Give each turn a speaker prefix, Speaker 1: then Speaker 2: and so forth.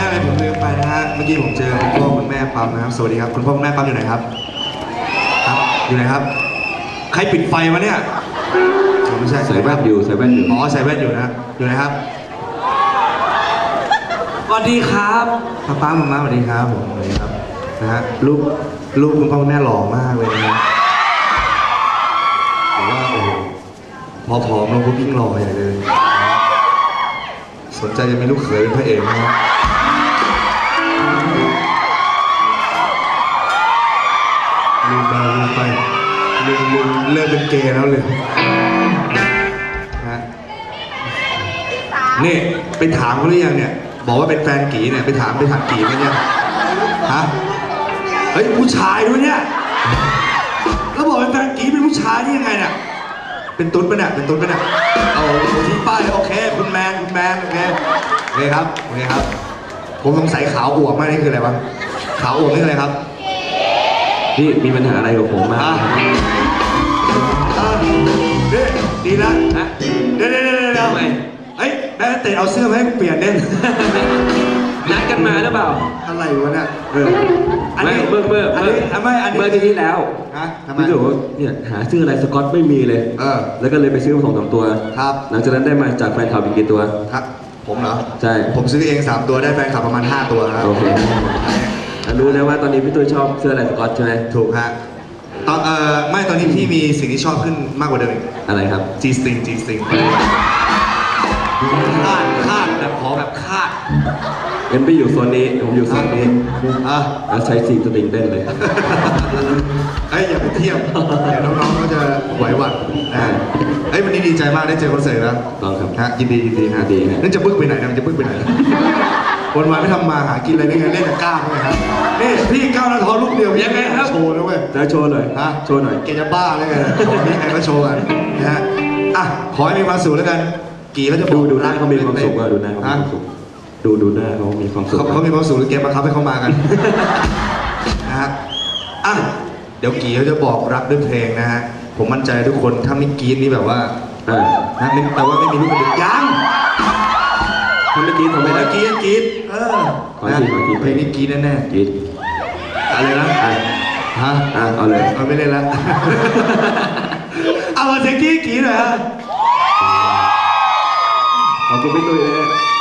Speaker 1: เลยผมลืมไปนะฮะเมื่อกี้ผมเจอคุณพ่อคุณแม่ปั๊มนะครับสวัสดีครับคุณพ่อคุณแม่ปั๊มอยู่ไหนครับครับอยู่ไหนครับใครปิดไฟวะเนี่ยไม่ใช่
Speaker 2: ใส่แว่นอยู่ใส่แว่นอยู่
Speaker 1: อ๋อใส่แว่นอยู่นะอยู่ไหนครับสวัสดีครับป้ามาสวัสดีครับผมสวัสดีครับนะฮะลูกคุณพ่อคุณแม่หล่อมากเลยนะผมว่าโอ้โหพอผอมลงก็ยิ่งหล่อใหญ่เลยสนใจจะมีลูกเขยเป็นพระเอกไหมครับลืมไปลืมเลิกเป็นเกย์แล้วเลยฮะนี่ไปถามเขาหรือยังเนี่ยบอกว่าเป็นแฟนกีเนี่ยไปถามกีไหมเนี่ยฮะเฮ้ยผู้ชายด้วยเนี่ยแล้วบอกเป็นแฟนกีเป็นผู้ชายนี่ยังไงเนี่ยเป็นตุ๊ดปะเนี่ยเป็นตุ๊ดปะเนี่ยเอาที่ป้ายโอเคคุณแมนโอเคครับผมสงสัยขาวอวบมากนี่คืออะไรวะขาวอวบนี่คืออะไรครับ
Speaker 2: พี่มีปัญหาอะไรกับผมมาก
Speaker 1: นี่ดีนะ
Speaker 2: ฮะ
Speaker 1: เดี๋ยวเฮ้ยแม่เตะเอาเสื้อมาให้กูเปลี่ยนเด่น
Speaker 2: นัดกันมาหรือเปล่า
Speaker 1: อะไรวะเนี่ยอัน
Speaker 2: ไม่
Speaker 1: นี้
Speaker 2: เมื่อ
Speaker 1: เมื่อ
Speaker 2: ที่ที่แล้ว
Speaker 1: ฮะทำไม
Speaker 2: พี่บอกว่าเนี่ยหาซื้ออะไรสกอตไม่มีเลย แล้วก็เลยไปซื้อมา2-3 ตัว
Speaker 1: ครับ
Speaker 2: หลังจากนั้นได้มาจากแฟนคลับอีกกี่ตัว
Speaker 1: ครับผมเหรอ
Speaker 2: ใช่
Speaker 1: ผมซื้อเอง3ตัวได้แฟนคลับประมาณ5ตัวครับ
Speaker 2: โอเครู้แล้วว่าตอนนี้พี่ตุ้ยชอบเสื้ออะไรสกอตใช่ไหม
Speaker 1: ถูกฮะตอนไม่ตอนนี้พี่มีสิ่งที่ชอบขึ้นมากกว่าเดิมอีก
Speaker 2: อะไรครับ
Speaker 1: G string คาดแบบขอแบบคาด
Speaker 2: เอ็นไปอยู่โซนนี้ผมอยู่โซนนี้ แล้วใช้4 สตริงเต้นเลย
Speaker 1: เอ้ยอย่าไปเทียบเดี๋ยวน้องๆเขาจะไหวหวัดนะเอ้ยวันนี้ดีใจมากได้เจอคอนเสิร์ตแล้ว
Speaker 2: ลองครับ
Speaker 1: ฮะยินดีฮะ
Speaker 2: ดีฮะ
Speaker 1: นั่นจะบึ้งไปไหนนะมันจะบึ้งไปไหนวันวานไม่ทำมาหากินอะไรได้ไงเล่นแต่กล้ามเลยครับนี่พี่ก้าวหน้าท้อลูกเดียวยังไงครับโชว์นะเว้ย
Speaker 2: จะโชว์หน่อย
Speaker 1: ฮะ
Speaker 2: โชว์หน่อย
Speaker 1: แกจะบ้าเลยไงของนี้ใครก็โชว์กันนะฮะอ่ะขอให้มีความสุขแล้วกันกี่เขาจะบอก
Speaker 2: ดูหน้าเขามีความสุขว่าดูหน้าเขามีความสุขดูหน้าเขามีความสุข
Speaker 1: เขามีความสุขหรือแกบังคับให้เขามากัน นะฮะอ่ะเดี๋ยวกี่เขาจะบอกรักด้วยเพลงนะฮะผมมั่นใจทุกคนถ้าไม่กรี๊ดนี่แบบว่านะแปลว่าไม่มีลูกกระดิกยัง
Speaker 2: ถ้าเมื่อกี้ทำไม่ได้
Speaker 1: กรี๊ด
Speaker 2: ขอที
Speaker 1: เพลงนี้กรี๊ดแน่
Speaker 2: กรี๊ด
Speaker 1: ๆอะไรนะฮะ
Speaker 2: เอาเลย
Speaker 1: เอาไม่เล่นแล้ว เอามาเสียงกรี๊ดหน่อยฮะ
Speaker 2: ขอบคุณพี่ตุ้ยเลย